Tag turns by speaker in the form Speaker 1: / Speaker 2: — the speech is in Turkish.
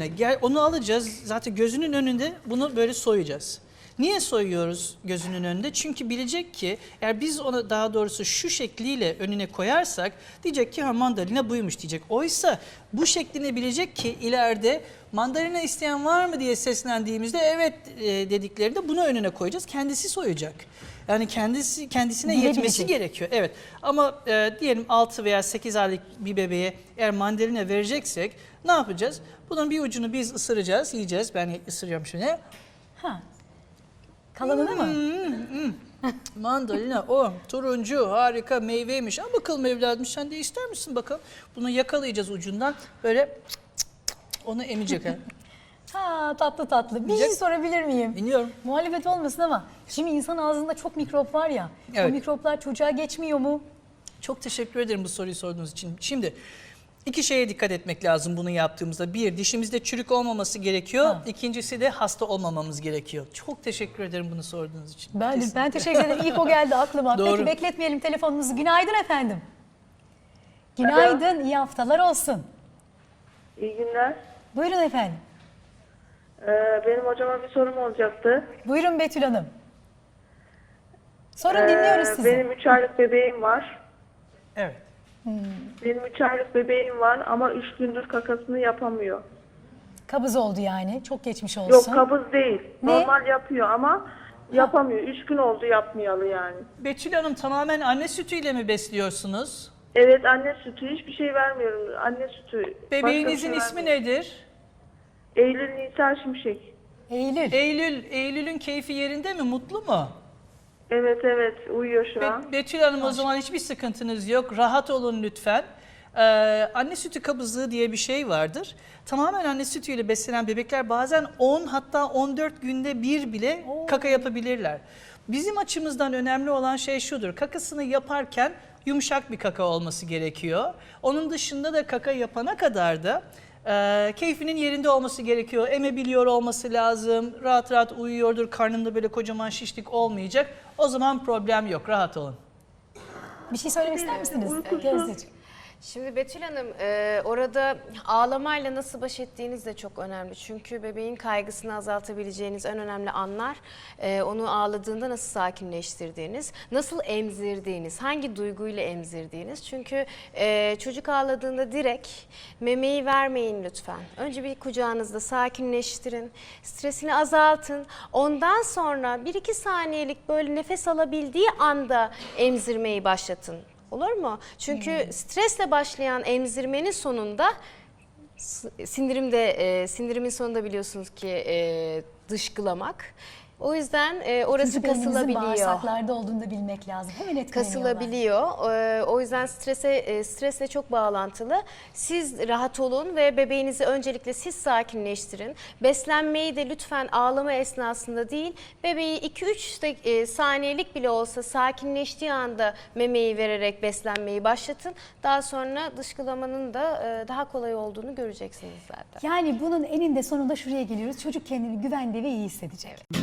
Speaker 1: mandalina. Gel, onu alacağız. Zaten gözünün önünde bunu böyle soyacağız. Niye soyuyoruz gözünün önünde? Çünkü bilecek ki eğer biz ona daha doğrusu şu şekliyle önüne koyarsak diyecek ki ha mandalina buymuş diyecek. Oysa bu şeklini bilecek ki ileride mandalina isteyen var mı diye seslendiğimizde evet dediklerinde bunu önüne koyacağız. Kendisi soyacak. Yani kendisine yetmesi gerekiyor. Evet. Ama diyelim 6 veya 8 aylık bir bebeğe eğer mandalina vereceksek ne yapacağız? Bunun bir ucunu biz ısıracağız, yiyeceğiz. Ben ısırıyorum şöyle.
Speaker 2: Ha. Kalanını mı?
Speaker 1: Mandalina o turuncu harika meyveymiş. Ama bakalım evladım sen de ister misin bakalım. Bunu yakalayacağız ucundan böyle onu emecek.
Speaker 2: Ha tatlı tatlı. Bir şey sorabilir miyim?
Speaker 1: Biliyorum.
Speaker 2: Muhalefet olmasın ama şimdi insan ağzında çok mikrop var ya.
Speaker 1: Evet.
Speaker 2: O mikroplar çocuğa geçmiyor mu?
Speaker 1: Çok teşekkür ederim bu soruyu sorduğunuz için. Şimdi 2 şeye dikkat etmek lazım bunu yaptığımızda. Bir, dişimizde çürük olmaması gerekiyor. Ha. İkincisi de hasta olmamamız gerekiyor. Çok teşekkür ederim bunu sorduğunuz için.
Speaker 2: Ben teşekkür ederim. İlk o geldi aklıma.
Speaker 1: Doğru.
Speaker 2: Peki bekletmeyelim telefonumuzu. Günaydın efendim. Günaydın, iyi haftalar olsun.
Speaker 3: İyi günler.
Speaker 2: Buyurun efendim.
Speaker 3: Benim hocama bir sorum olacaktı.
Speaker 2: Buyurun Betül Hanım. Sorun dinliyoruz sizi.
Speaker 3: Benim 3 aylık bebeğim var.
Speaker 1: Evet.
Speaker 3: Benim 3 aylık bebeğim var ama 3 gündür kakasını yapamıyor.
Speaker 2: Kabız oldu yani. Çok geçmiş olsun.
Speaker 3: Yok kabız değil.
Speaker 2: Ne?
Speaker 3: Normal yapıyor ama yapamıyor. 3 gün oldu yapmayalı yani.
Speaker 1: Betül Hanım tamamen anne sütüyle mi besliyorsunuz?
Speaker 3: Evet anne sütü hiçbir şey vermiyorum. Anne sütü.
Speaker 1: Bebeğinizin
Speaker 3: Başka bir şey
Speaker 1: ismi
Speaker 3: vermiyorum.
Speaker 1: nedir?
Speaker 3: Eylül Nisa Şimşek.
Speaker 2: Eylül.
Speaker 1: Eylül'ün keyfi yerinde mi? Mutlu mu?
Speaker 3: Evet uyuyor şu an.
Speaker 1: Betül Hanım o zaman hiçbir sıkıntınız yok. Rahat olun lütfen. Anne sütü kabızlığı diye bir şey vardır. Tamamen anne sütüyle beslenen bebekler bazen 10 hatta 14 günde bir bile kaka yapabilirler. Bizim açımızdan önemli olan şey şudur. Kakasını yaparken yumuşak bir kaka olması gerekiyor. Onun dışında da kaka yapana kadar da keyfinin yerinde olması gerekiyor. Emebiliyor olması lazım. Rahat rahat uyuyordur. Karnında böyle kocaman şişlik olmayacak. O zaman problem yok. Rahat olun.
Speaker 2: Bir şey söylemek ister misiniz?
Speaker 3: Uykusuz.
Speaker 2: Gözdeciğim.
Speaker 4: Şimdi Betül Hanım orada ağlamayla nasıl baş ettiğiniz de çok önemli. Çünkü bebeğin kaygısını azaltabileceğiniz en önemli anlar onu ağladığında nasıl sakinleştirdiğiniz, nasıl emzirdiğiniz, hangi duyguyla emzirdiğiniz. Çünkü çocuk ağladığında direkt memeyi vermeyin lütfen. Önce bir kucağınızda sakinleştirin, stresini azaltın. Ondan sonra 1-2 saniyelik böyle nefes alabildiği anda emzirmeyi başlatın. Olur mu? Çünkü stresle başlayan emzirmenin sonunda sindirimin sonunda biliyorsunuz ki dışkılamak. O yüzden orası
Speaker 2: Çocuk elinizin
Speaker 4: kasılabiliyor.
Speaker 2: bağırsaklarda olduğunu da bilmek lazım. Hemen etkileniyorlar.
Speaker 4: Kasılabiliyor. O yüzden stresle çok bağlantılı. Siz rahat olun ve bebeğinizi öncelikle siz sakinleştirin. Beslenmeyi de lütfen ağlama esnasında değil, bebeği 2-3 saniyelik bile olsa sakinleştiği anda memeyi vererek beslenmeyi başlatın. Daha sonra dışkılamanın da daha kolay olduğunu göreceksiniz zaten.
Speaker 2: Yani bunun eninde sonunda şuraya geliyoruz. Çocuk kendini güvende ve iyi hissedecek.